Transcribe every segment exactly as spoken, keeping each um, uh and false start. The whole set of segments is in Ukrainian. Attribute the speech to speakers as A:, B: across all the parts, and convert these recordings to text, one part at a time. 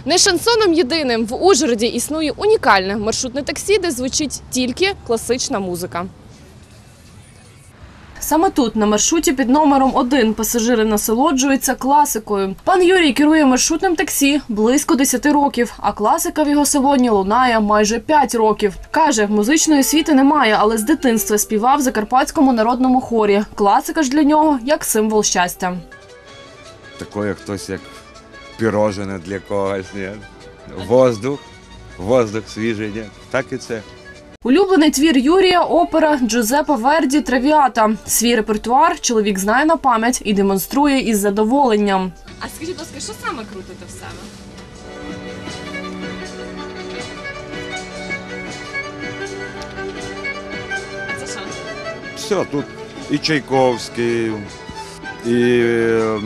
A: Не шансоном єдиним в Ужгороді існує унікальне маршрутне таксі, де звучить тільки класична музика. Саме тут, на маршруті під номером один, пасажири насолоджуються класикою. Пан Юрій керує маршрутним таксі близько десяти років, а класика в його салоні лунає майже п'ять років. Каже, музичної освіти немає, але з дитинства співав в Закарпатському народному хорі. Класика ж для нього як символ щастя.
B: Такое хтось як пірожене для когось, ні? Воздух, воздух свіжий, ні? Так і це.
A: Улюблений твір Юрія – опера Джузеппе Верді «Травіата». Свій репертуар чоловік знає на пам'ять і демонструє із задоволенням. А скажіть, будь ласка, що саме крутите в себе? А це що?
B: Все, тут і Чайковський, і е,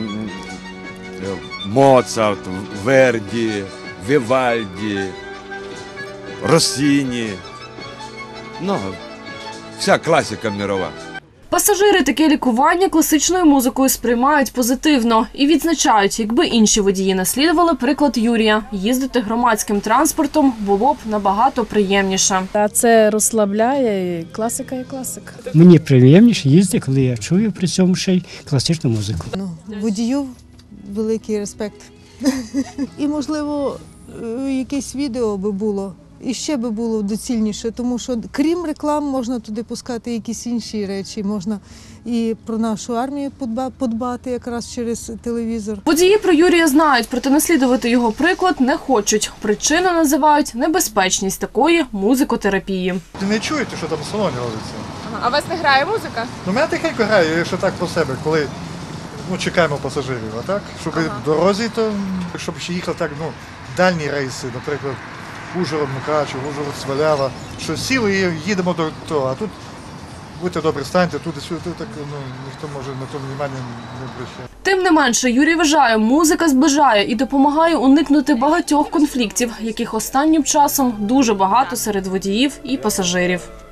B: Моцарт, Верді, Вівальді, Россіні. Ну, вся класика мирова.
A: Пасажири таке лікування класичною музикою сприймають позитивно і відзначають, якби інші водії наслідували приклад Юрія, їздити громадським транспортом було б набагато приємніше.
C: А це розслабляє, і класика є класика.
D: Мені приємніше їздити, коли я чую при цьому ще й класичну музику.
E: Ну, водію великий респект. І, можливо, якесь відео би було. І ще би було доцільніше, тому що крім реклам можна туди пускати якісь інші речі, можна і про нашу армію подбати якраз через телевізор.
A: Водії про Юрія знають, проте наслідувати його приклад не хочуть. Причину називають небезпечність такої музикотерапії.
F: Ти не чуєте, що там в салоні робиться?
A: А у вас не грає музика?
F: Ну, мене тихенько грає, якщо так про себе, коли ну, чекаємо пасажирів, а так? Щоб ага. в дорозі, то щоб ще їхали так, ну, дальні рейси, наприклад, Ужгород, Мукачево, Ужгород, Свалява, що сіли і їдемо до того, а тут будьте добрі, станьте туди-сюди, так ну, ніхто може на то увагу не обращає.
A: Тим не менше, Юрій вважає, музика зближає і допомагає уникнути багатьох конфліктів, яких останнім часом дуже багато серед водіїв і пасажирів.